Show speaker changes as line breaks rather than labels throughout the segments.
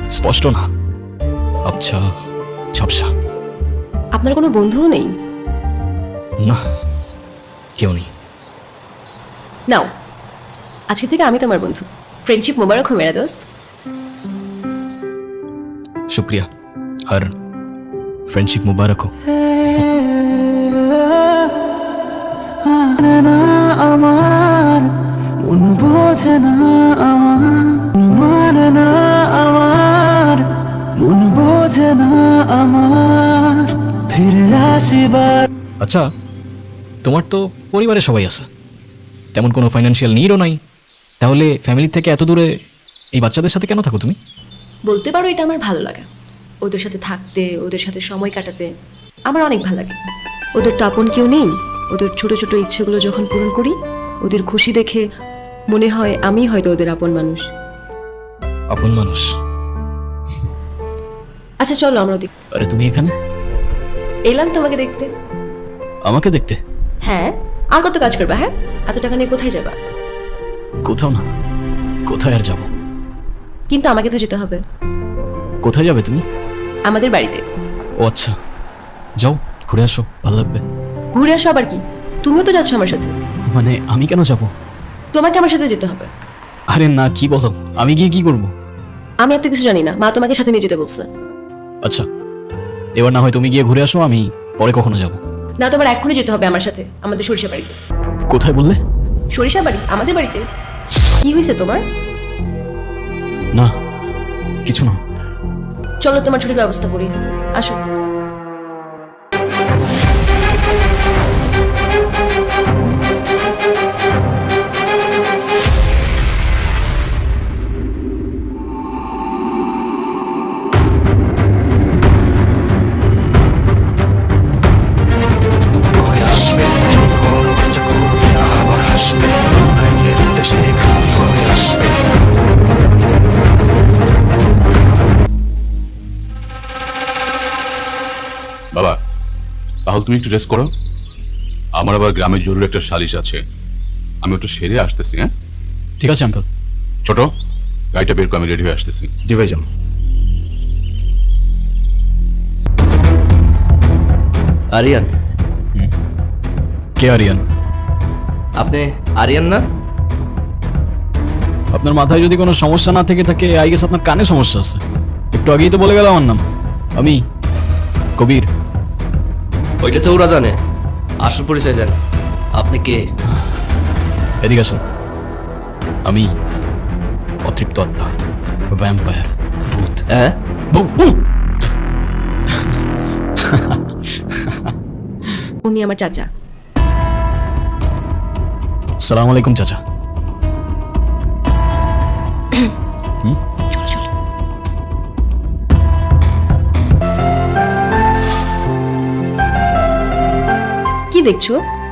স্পষ্ট না, আবছা ঝাপসা।
আপনার কোনো বন্ধুও নেই?
না, কেউ নেই।
নাও, আজকে থেকে আমি তোমার বন্ধু। ফ্রেন্ডশিপ মোবারক হো মেরা দোস্ত।
শুক্রিয়া, আর ফ্রেন্ডশিপ মুবারক হোক।
আমার মন বোঝে না, আমার মানে না, আমার মন বোঝে না, আমার ফিরে আসিবার।
আচ্ছা, তোমার তো পরিবারে সবাই আছে, তেমন কোনো ফাইন্যান্সিয়াল নিডও নাই, তাহলে ফ্যামিলি থেকে এত দূরে এই বাচ্চাদের সাথে কেন থাকো তুমি?
বলতে পারো এটা আমার ভালো লাগা। ওদের সাথে থাকতে, ওদের সাথে সময় কাটাতে আমার অনেক ভালো লাগে। ওদের তো আপন কেউ নেই। ওদের ছোট ছোট ইচ্ছেগুলো যখন পূরণ করি, ওদের খুশি দেখে মনে হয় আমি হয়তো ওদের আপন মানুষ।
আপন মানুষ?
আচ্ছা চলো আমরা ওদিক।
আরে তুমি এখানে?
এলাম তোমাকে দেখতে।
আমাকে দেখতে?
হ্যাঁ, আর কত কাজ করবা? হ্যাঁ, এত টাকা নিয়ে কোথায় যাবা?
কোথাও না, কোথায় আর যাব?
কিন্তু আমাকে তো যেতে হবে।
কোথায় যাবে তুমি?
আমাদের বাড়িতে।
ও আচ্ছা, যাও ঘুরে আসো, ভালো লাগবে।
ঘুরে আসো আবার কি? তুমিও তো যাচ্ছ আমার সাথে।
মানে আমি কেন যাব?
তোমাকে আমার সাথে যেতে হবে।
আরে না, কি বলো, আমি গিয়ে কি করব?
আমি এত কিছু জানি না, মা তোমাকে সাথে নিয়ে যেতে বলছে।
আচ্ছা, এবার না হয় তুমি গিয়ে ঘুরে আসো, আমি পরে কখনো যাব।
না, তোমার এক্ষুনি যেতে হবে আমার সাথে আমাদের সরিষা বাড়িতে।
কোথায় বললে?
সরিষা বাড়ি, আমাদের বাড়িতে। কি হয়েছে তোমার?
না, কিছু না।
চলো তোমার ছুটির ব্যবস্থা করি, আসো।
বাবা, তাহলে তুমি একটু রেস্ট করো। আমার আবার গ্রামের জরুরি একটা সালিশ আছে, আমি একটু সেরে আসতেছি। হ্যাঁ
ঠিক আছে আঙ্কেল।
ছোট, গাড়িটা বের করে আমি রেডি হয়ে আসতেছি।
জি ভাইজান।
আরিয়ান?
কে আরিয়ান?
আপনি আরিয়ান না?
আপনার মাথায় যদি কোনো সমস্যা না থেকে থাকে, আই গেস আপনার কানে সমস্যা আছে। একটু আগেই তো বলে গেল আমার নাম, আমি কবির।
ওইটা তো ওরা জানে, আসল পরিচয় দেন। আপনি কে?
এদিকে আসুন। আমি অতৃপ্ত আত্মা, ভ্যাম্পায়ার, ভূত।
হ্যাঁ?
উনি আমার চাচা।
সালাম আলাইকুম চাচা।
চলো চলো। কি দেখছো?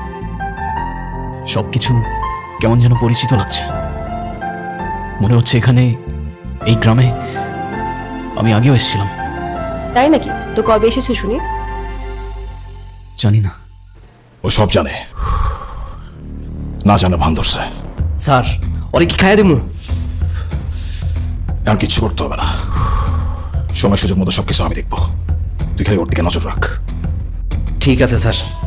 সবকিছু কেমন যেন পরিচিত লাগছে। মনে হচ্ছে এখানে, এই গ্রামে আমি আগেও এসেছিলাম।
তাই নাকি? তো কবে এসেছো শুনি?
জানি না।
ও সব জানে, না জানে ভান ধরছে।
স্যার, ওরে কি খাইয়া দেবো?
এখন কিচ্ছু করতে হবে না, সময় সুযোগ মতো সবকিছু আমি দেখবো। তুই খালি ওর দিকে নজর রাখ।
ঠিক আছে স্যার।